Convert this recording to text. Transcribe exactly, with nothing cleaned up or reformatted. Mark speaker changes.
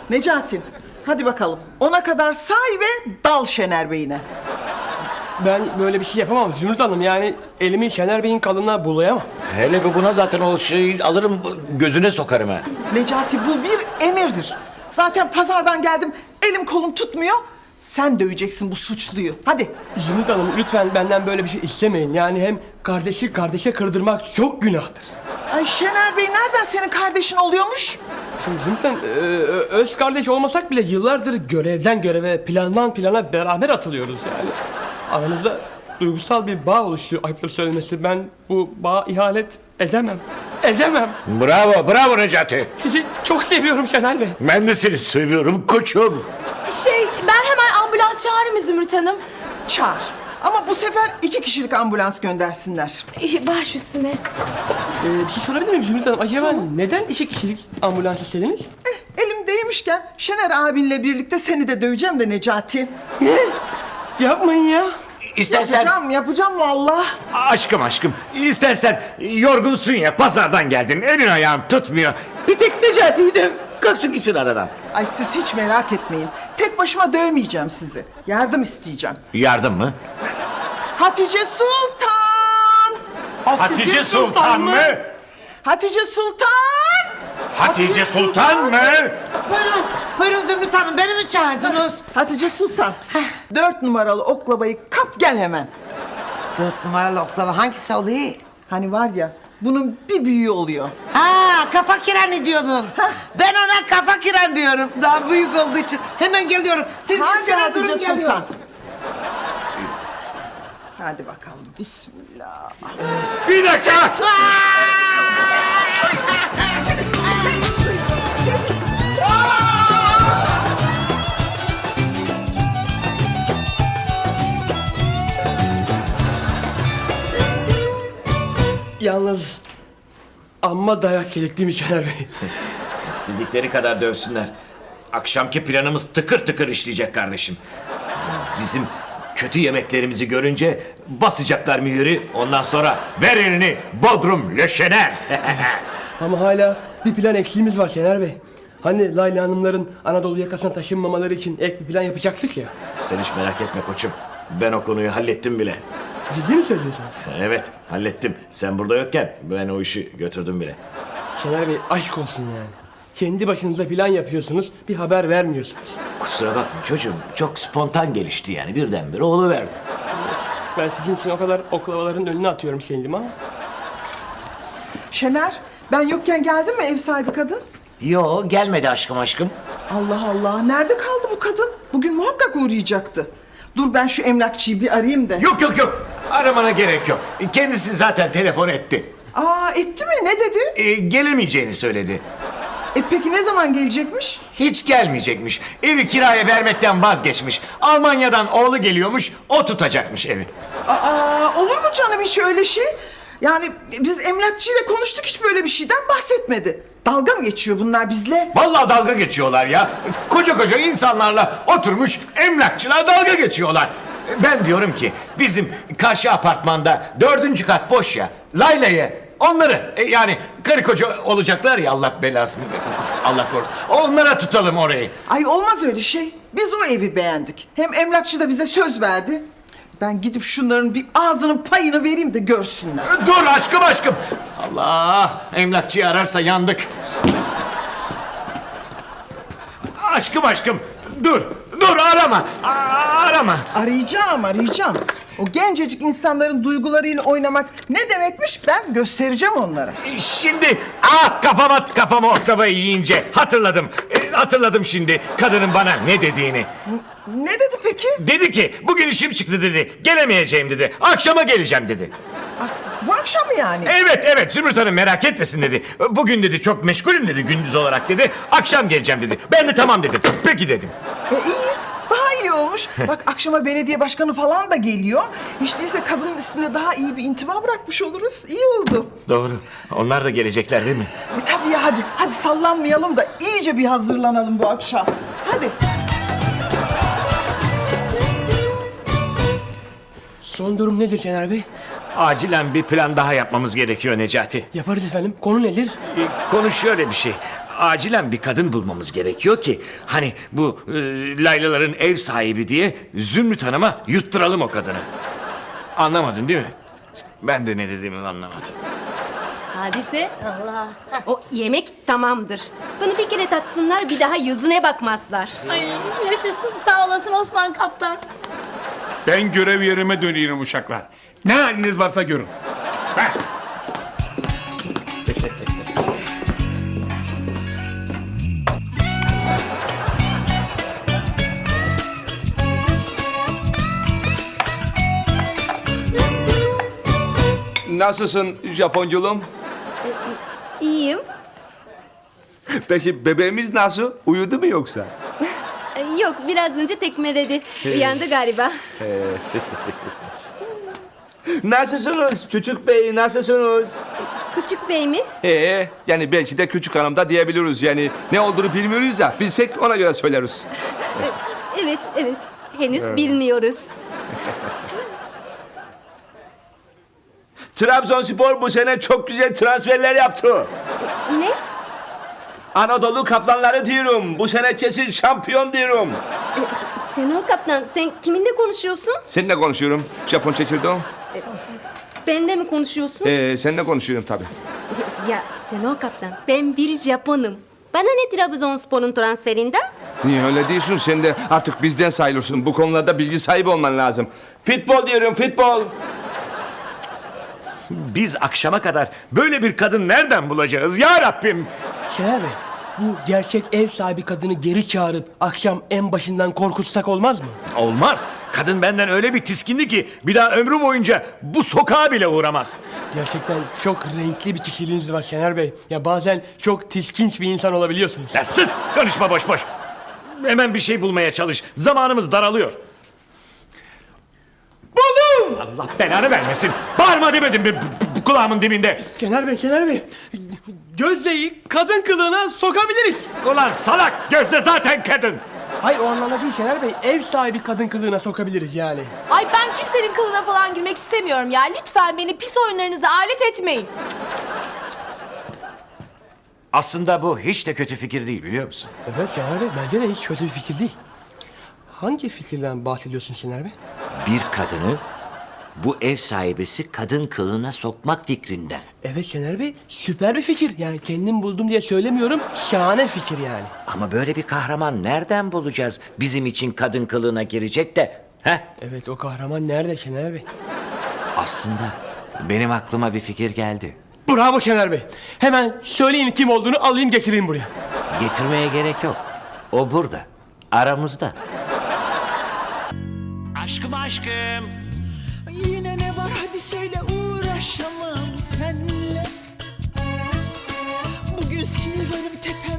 Speaker 1: Necati, hadi bakalım. Ona kadar say ve dal Şener Bey'ine.
Speaker 2: Ben böyle bir şey yapamam Zümrüt Hanım. Yani elimi Şener Bey'in kalınlığa bulayamam.
Speaker 3: Hele bir buna zaten o şeyi alırım gözüne sokarım ha.
Speaker 1: Necati, bu bir emirdir. Zaten pazardan geldim, elim kolum tutmuyor. Sen döveceksin bu suçluyu. Hadi.
Speaker 2: Zümrüt Hanım lütfen benden böyle bir şey istemeyin. Yani hem kardeşi kardeşe kırdırmak çok günahtır.
Speaker 1: Ay Şener Bey nereden senin kardeşin oluyormuş?
Speaker 2: Şimdi Zümrüt Hanım, e, öz kardeş olmasak bile yıllardır görevden göreve, plandan plana beraber atılıyoruz yani. Aramızda duygusal bir bağ oluşuyor, ayıptır söylemesi. Ben bu bağa ihanet edemem. Edemem.
Speaker 3: Bravo, bravo Necati.
Speaker 2: Sizi çok seviyorum Şener Bey.
Speaker 3: Ben de seni seviyorum koçum.
Speaker 4: Şey, ben hemen ambulans çağırayım mı Zümrüt Hanım?
Speaker 1: Çağır. Ama bu sefer iki kişilik ambulans göndersinler.
Speaker 4: Ee, Baş üstüne.
Speaker 2: Ee, bir şey sorabilir miyim Zümrüt Hanım? Acaba neden iki kişilik ambulans istediniz?
Speaker 1: Eh, elimdeymişken Şener abinle birlikte seni de döveceğim de Necati.
Speaker 2: Ne? Yapmayın ya.
Speaker 3: İstersen...
Speaker 1: Yapacağım, yapacağım vallahi.
Speaker 3: Aşkım aşkım, istersen yorgunsun ya, pazardan geldin, elin ayağın tutmuyor. Bir tek Necati'yi döv, kalksın gitsin aradan.
Speaker 1: Ay siz hiç merak etmeyin. Tek başıma dövmeyeceğim sizi. Yardım isteyeceğim.
Speaker 3: Yardım mı?
Speaker 1: Hatice Sultan!
Speaker 3: Hatice Sultan mı?
Speaker 1: Hatice Sultan!
Speaker 3: Hatice Sultan mı?
Speaker 5: Buyurun, buyurun Zümrüt Hanım, beni mi çağırdınız?
Speaker 1: Hatice Sultan. Dört numaralı oklabayı kap gel hemen.
Speaker 5: Dört numaralı oklava hangisi oluyor?
Speaker 1: Hani var ya, bunun bir büyüğü oluyor.
Speaker 5: Ha, kafa kireni diyordunuz. Ben ona kafa kiren diyorum. Daha büyük olduğu için. Hemen geliyorum. Siz
Speaker 1: Hadi
Speaker 5: üstüne
Speaker 1: Hatice
Speaker 5: durun,
Speaker 1: Sultan.
Speaker 5: geliyorum.
Speaker 1: Hadi bakalım, bismillah.
Speaker 3: Bir dakika!
Speaker 2: Yalnız amma dayak yedik değil mi Şener Bey?
Speaker 3: İstedikleri kadar dövsünler. Akşamki planımız tıkır tıkır işleyecek kardeşim. Bizim kötü yemeklerimizi görünce basacaklar mühürü. Ondan sonra ver elini Bodrum Löşener.
Speaker 2: Ama hala bir plan eksiğimiz var Şener Bey. Hani Layla Hanımların Anadolu yakasına taşınmamaları için ek bir plan yapacaktık ya.
Speaker 3: Sen hiç merak etme koçum. Ben o konuyu hallettim bile.
Speaker 2: Ciddi mi söylüyorsunuz?
Speaker 3: Evet, hallettim. Sen burada yokken ben o işi götürdüm bile.
Speaker 2: Şener Bey aşk olsun yani. Kendi başınıza plan yapıyorsunuz, bir haber vermiyorsunuz.
Speaker 3: Kusura bakma çocuğum. Çok spontan gelişti yani. Birdenbire oluverdi.
Speaker 2: Ben sizin için o kadar oklavaların önüne atıyorum kendimi ama.
Speaker 1: Şener, ben yokken geldi mi ev sahibi kadın?
Speaker 3: Yo, gelmedi aşkım aşkım.
Speaker 1: Allah Allah, nerede kaldı bu kadın? Bugün muhakkak uğrayacaktı. Dur ben şu emlakçıyı bir arayayım da.
Speaker 3: Yok yok yok. Aramana gerek yok. Kendisi zaten telefon etti.
Speaker 1: Aa, etti mi? Ne dedi?
Speaker 3: Ee, gelemeyeceğini söyledi.
Speaker 1: E peki ne zaman gelecekmiş?
Speaker 3: Hiç gelmeyecekmiş. Evi kiraya vermekten vazgeçmiş. Almanya'dan oğlu geliyormuş, o tutacakmış evi.
Speaker 1: Aa, olur mu canım hiç öyle şey? Yani biz emlakçıyla konuştuk, hiç böyle bir şeyden bahsetmedi. Dalga mı geçiyor bunlar bizle?
Speaker 3: Vallahi dalga geçiyorlar ya. Koca koca insanlarla oturmuş emlakçılar dalga geçiyorlar. Ben diyorum ki bizim karşı apartmanda dördüncü kat boş ya. Layla'yı onları e, yani karı koca olacaklar ya, Allah belasını Allah korusun. Onlara tutalım orayı.
Speaker 1: Ay olmaz öyle şey. Biz o evi beğendik. Hem emlakçı da bize söz verdi. Ben gidip şunların bir ağzının payını vereyim de görsünler.
Speaker 3: Dur aşkım aşkım. Allah, emlakçıyı ararsa yandık. Aşkım aşkım. Dur. Dur arama. A- arama.
Speaker 1: Arayacağım, arayacağım. O gencecik insanların duygularıyla oynamak ne demekmiş, ben göstereceğim onlara.
Speaker 3: Şimdi ah kafama kafama oktavayı yiyince hatırladım. E, hatırladım şimdi kadının bana ne dediğini.
Speaker 1: Ne dedi peki?
Speaker 3: Dedi ki bugün işim çıktı dedi. Gelemeyeceğim dedi. Akşama geleceğim dedi.
Speaker 1: Bu akşam mı yani?
Speaker 3: Evet evet Zümrüt Hanım merak etmesin dedi. Bugün dedi çok meşgulüm dedi gündüz olarak dedi. Akşam geleceğim dedi. Ben de tamam dedim. Peki dedim.
Speaker 1: E iyi, daha iyi olmuş. Bak akşama belediye başkanı falan da geliyor. Hiç değilse kadının üstünde daha iyi bir intiba bırakmış oluruz. İyi oldu.
Speaker 3: Doğru. Onlar da gelecekler değil mi?
Speaker 1: E tabii ya, hadi. Hadi sallanmayalım da iyice bir hazırlanalım bu akşam. Hadi.
Speaker 2: Son durum nedir Şener Bey?
Speaker 3: Acilen bir plan daha yapmamız gerekiyor Necati.
Speaker 2: Yaparız efendim. Konu nedir?
Speaker 3: Ee, Konu şöyle bir şey. acilen bir kadın bulmamız gerekiyor ki hani bu e, Laylaların ev sahibi diye Zümrüt Hanım'a yutturalım o kadını. Anlamadın değil mi? Ben de ne dediğimi anlamadım.
Speaker 6: Hadise, Allah. O yemek tamamdır. Bunu bir kere tatsınlar, bir daha yüzüne bakmazlar.
Speaker 7: Ay yaşasın, sağ olasın Osman Kaptan.
Speaker 8: Ben görev yerime dönüyorum uşaklar. Ne haliniz varsa görün. Heh.
Speaker 9: Nasılsın Japonculuğum?
Speaker 6: İyiyim.
Speaker 9: Peki bebeğimiz nasıl? Uyudu mu yoksa?
Speaker 6: Ee, Yok, biraz önce tekmeledi. Uyandı galiba.
Speaker 9: Nasılsınız küçük bey, nasılsınız?
Speaker 6: Küçük bey mi?
Speaker 9: Ee, yani belki de küçük hanım da diyebiliriz. Yani ne olduğunu bilmiyoruz ya, bilsek ona göre söyleriz.
Speaker 6: Evet, evet. Henüz bilmiyoruz.
Speaker 9: Trabzonspor bu sene çok güzel transferler yaptı.
Speaker 6: Ne?
Speaker 9: Anadolu Kaplanları diyorum. Bu sene kesin şampiyon diyorum.
Speaker 6: Şenol Kaptan, sen kiminle konuşuyorsun?
Speaker 9: Seninle konuşuyorum. Japon çekirdeğim.
Speaker 6: Benimle mi konuşuyorsun?
Speaker 9: Ee, seninle konuşuyorum tabii.
Speaker 6: Ya Şenol Kaptan, ben bir Japonum. Bana ne Trabzonspor'un transferinden?
Speaker 9: Niye öyle diyorsun? Sen de artık bizden sayılırsın. Bu konularda bilgi sahibi olman lazım. Futbol diyorum, futbol.
Speaker 3: Biz akşama kadar böyle bir kadın nereden bulacağız ya Rabbim?
Speaker 2: Şener Bey, bu gerçek ev sahibi kadını geri çağırıp akşam en başından korkutsak olmaz mı?
Speaker 3: Olmaz. Kadın benden öyle bir tiskindi ki bir daha ömrü boyunca bu sokağa bile uğramaz.
Speaker 2: Gerçekten çok renkli bir kişiliğiniz var Şener Bey. Ya bazen çok tiskinç bir insan olabiliyorsunuz.
Speaker 3: Ya sus! Konuşma boş boş. Hemen bir şey bulmaya çalış. Zamanımız daralıyor. Buldum! Allah belanı vermesin. Bağırma demedim mi bu- bu kulağımın dibinde?
Speaker 2: Şener Bey, Şener Bey. Gözde'yi kadın kılığına sokabiliriz.
Speaker 3: Ulan salak! Gözde zaten kadın.
Speaker 2: Hayır o anlamda değil Şener Bey. Ev sahibi kadın kılığına sokabiliriz yani.
Speaker 4: Ay ben kimsenin kılına falan girmek istemiyorum ya. Lütfen beni pis oyunlarınıza alet etmeyin.
Speaker 3: Aslında bu hiç de kötü fikir değil biliyor musun?
Speaker 2: Evet Şener Bey, bence de hiç kötü bir fikir değil. Hangi fikirden bahsediyorsun Şener Bey?
Speaker 10: Bir kadını bu ev sahibesi kadın kılığına sokmak fikrinden.
Speaker 2: Evet Şener Bey, süper bir fikir. Yani kendim buldum diye söylemiyorum, şahane fikir yani.
Speaker 10: Ama böyle bir kahraman nereden bulacağız bizim için kadın kılığına girecek de? He?
Speaker 2: Evet, o kahraman nerede Şener Bey?
Speaker 10: Aslında benim aklıma bir fikir geldi.
Speaker 2: Bravo Şener Bey. Hemen söyleyin kim olduğunu alayım getireyim buraya.
Speaker 10: Getirmeye gerek yok. O burada. Aramızda.
Speaker 3: Aşkım aşkım.
Speaker 1: Yine ne var hadi söyle uğraşamam senle. Bugün sinirlerim tepemde.